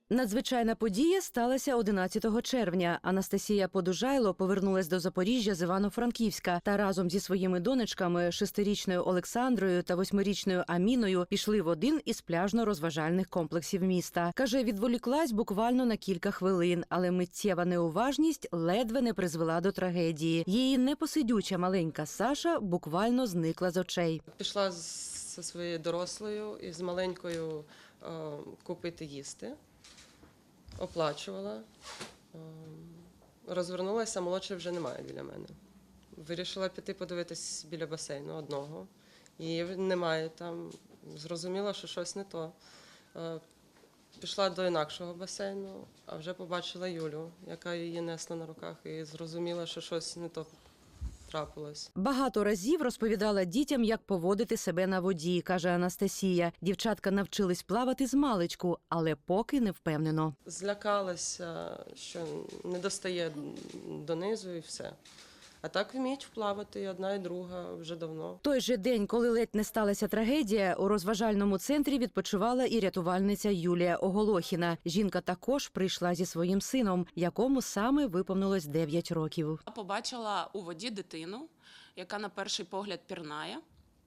Надзвичайна подія сталася 11 червня. Анастасія Подужайло повернулась до Запоріжжя з Івано-Франківська та разом зі своїми донечками 6-річною Олександрою та 8-річною Аміною пішли в один із пляжно-розважальних комплексів міста. Каже, відволіклась буквально на кілька хвилин, але миттєва неуважність ледве не призвела до трагедії. Її непосидюча маленька Саша буквально зникла з очей. Пішла зі своєю дорослою і з маленькою купити їсти. Оплачувала, розвернулася, молодшої вже немає біля мене. Вирішила піти подивитись біля басейну одного. Її немає там, зрозуміла, що щось не то. Пішла до інакшого басейну, а вже побачила Юлю, яка її несла на руках, і зрозуміла, що щось не то трапилось. Багато разів розповідала дітям, як поводити себе на воді, каже Анастасія. Дівчатка навчились плавати змалечку, але поки не впевнено. Злякалася, що не достає донизу і все. А так вміють вплавати і одна, і друга вже давно. Той же день, коли ледь не сталася трагедія, у розважальному центрі відпочивала і рятувальниця Юлія Оголохіна. Жінка також прийшла зі своїм сином, якому саме виповнилось 9 років. Я побачила у воді дитину, яка на перший погляд пірнає.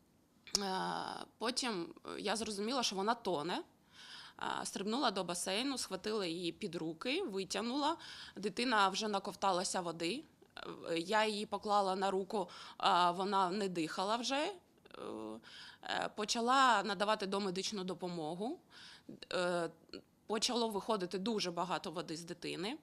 Потім я зрозуміла, що вона тоне. Стрибнула до басейну, схватила її під руки, витягнула. Дитина вже наковталася води. Я її поклала на руку, вона не дихала вже. Почала надавати домедичну допомогу. Почало виходити дуже багато води з дитини.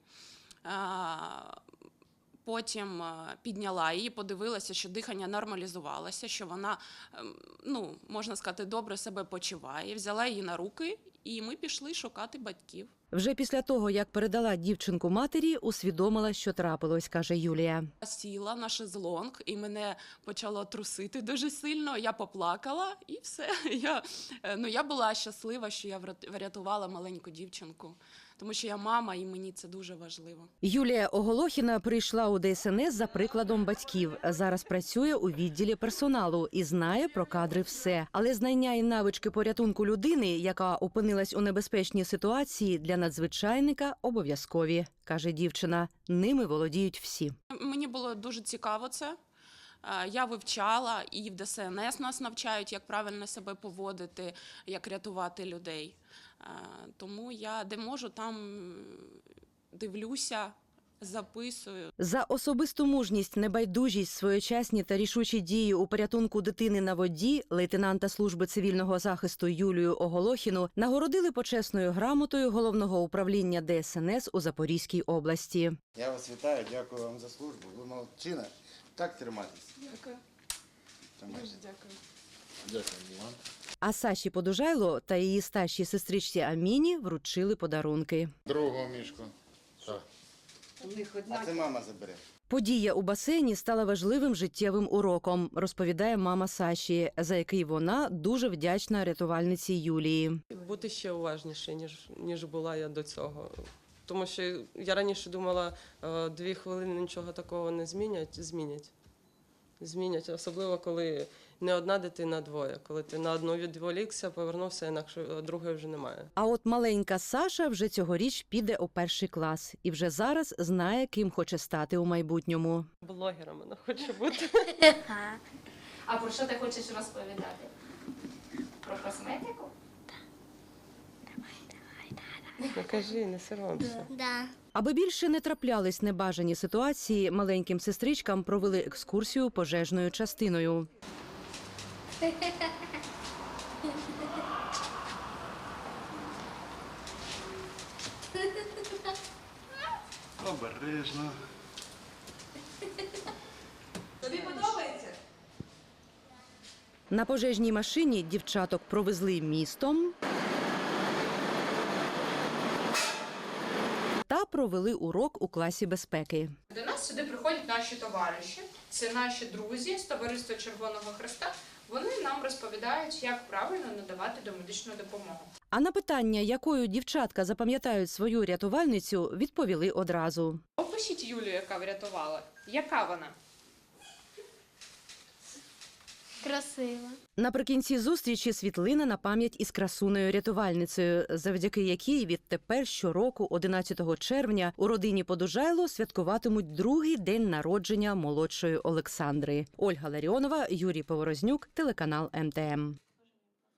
Потім підняла її, подивилася, що дихання нормалізувалося, що вона, можна сказати, добре себе почуває. Взяла її на руки, і ми пішли шукати батьків. Вже після того, як передала дівчинку матері, усвідомила, що трапилось, каже Юлія. Сіла на шезлонг, і мене почало трусити дуже сильно. Я поплакала, і все. Я була щаслива, що я врятувала маленьку дівчинку, тому що я мама, і мені це дуже важливо. Юлія Оголохіна прийшла у ДСНС за прикладом батьків. Зараз працює у відділі персоналу і знає про кадри все. Але знання і навички порятунку людини, яка опинилась у небезпечній ситуації, для надзвичайника обов'язкові, каже дівчина. Ними володіють всі. Мені було дуже цікаво це. Я вивчала, і в ДСНС нас навчають, як правильно себе поводити, як рятувати людей. Тому я де можу, там дивлюся, записую. За особисту мужність, небайдужість, своєчасні та рішучі дії у порятунку дитини на воді лейтенанта служби цивільного захисту Юлію Оголохіну нагородили почесною грамотою Головного управління ДСНС у Запорізькій області. Я вас вітаю, дякую вам за службу. Ви молодчина. Так триматись. Дякую. Дуже дякую. Дякую вам. А Саші Подужайло та її старшій сестричці Аміні вручили подарунки. Другого мішку. Так. А це мама забере. Подія у басейні стала важливим життєвим уроком, розповідає мама Саші, за який вона дуже вдячна рятувальниці Юлії. Бути ще уважніше, ніж була я до цього. Тому що я раніше думала, 2 хвилини нічого такого не змінять. Змінять, особливо, коли не одна дитина, а двоє. Коли ти на одну відволікся, повернувся, інакше другої вже немає. А от маленька Саша вже цьогоріч піде у 1-й клас і вже зараз знає, ким хоче стати у майбутньому. Блогером вона хоче бути. А про що ти хочеш розповідати? Про косметику? Ну, кажи, не соромся. Да. Аби більше не траплялись небажані ситуації, маленьким сестричкам провели екскурсію пожежною частиною. Обережно. Тобі подобається? На пожежній машині дівчаток провезли містом та провели урок у класі безпеки. До нас сюди приходять наші товариші, це наші друзі з Товариства Червоного Хреста. Вони нам розповідають, як правильно надавати домедичну допомогу. А на питання, якою дівчатка запам'ятають свою рятувальницю, відповіли одразу. Опишіть Юлю, яка врятувала. Яка вона? Красиво. Наприкінці зустрічі світлина на пам'ять із красунею-рятувальницею, завдяки якій відтепер щороку, 11 червня, у родині Подужайло святкуватимуть другий день народження молодшої Олександри. Ольга Ларіонова, Юрій Поворознюк, телеканал МТМ.